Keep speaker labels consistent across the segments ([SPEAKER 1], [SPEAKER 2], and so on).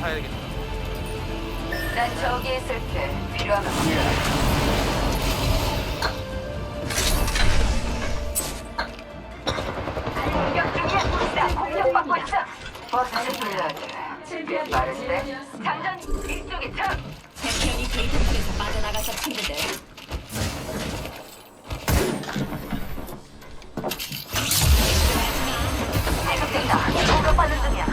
[SPEAKER 1] 사야 되겠다.
[SPEAKER 2] 난 저기 있을게. 필요하면 불러. 공격 중이야. 나 공격받고 있어. 버스를 불러야 돼. 꽤 빠른데. 장전 이쪽에 차.
[SPEAKER 3] 챔피언이 게이트에서 빠져나가서 친구들.
[SPEAKER 2] 잘못된다. 공격받는 중이야.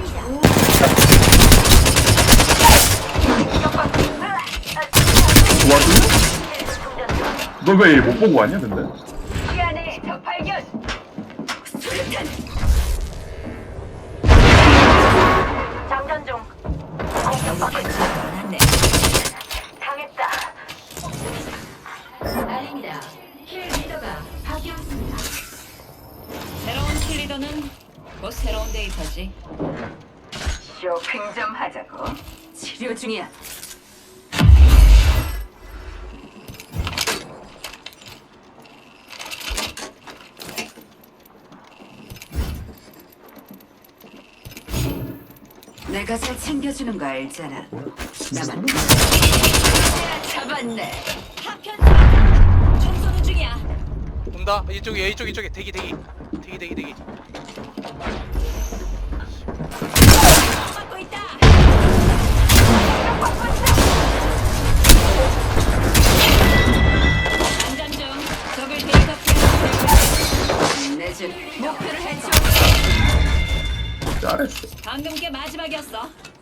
[SPEAKER 2] 공격받고 있어.
[SPEAKER 4] 도와주냐? 너 왜 못 보고 왔냐 근데?
[SPEAKER 2] 이 안에 적 발견. 수류탄. 장전 중. 공격받고 있어.
[SPEAKER 3] 안돼.
[SPEAKER 2] 당했다.
[SPEAKER 3] 알립니다. 킬 리더가 바뀌었습니다. 새로운 킬 리더는 곧 새로운 데이터지.
[SPEAKER 2] 쇼핑 좀 하자고. 치료 중이야. 내가 잘 챙겨주는 거 알잖아. 나만 잡았네.
[SPEAKER 3] 파편 청소는 중이야.
[SPEAKER 1] 온다. 이쪽에 대기.
[SPEAKER 3] 받고 있다. 안전 중. 적을 데이터
[SPEAKER 2] 내준
[SPEAKER 3] 목표를 해치.
[SPEAKER 4] 잘했어.
[SPEAKER 3] 방금 게 마지막이었어.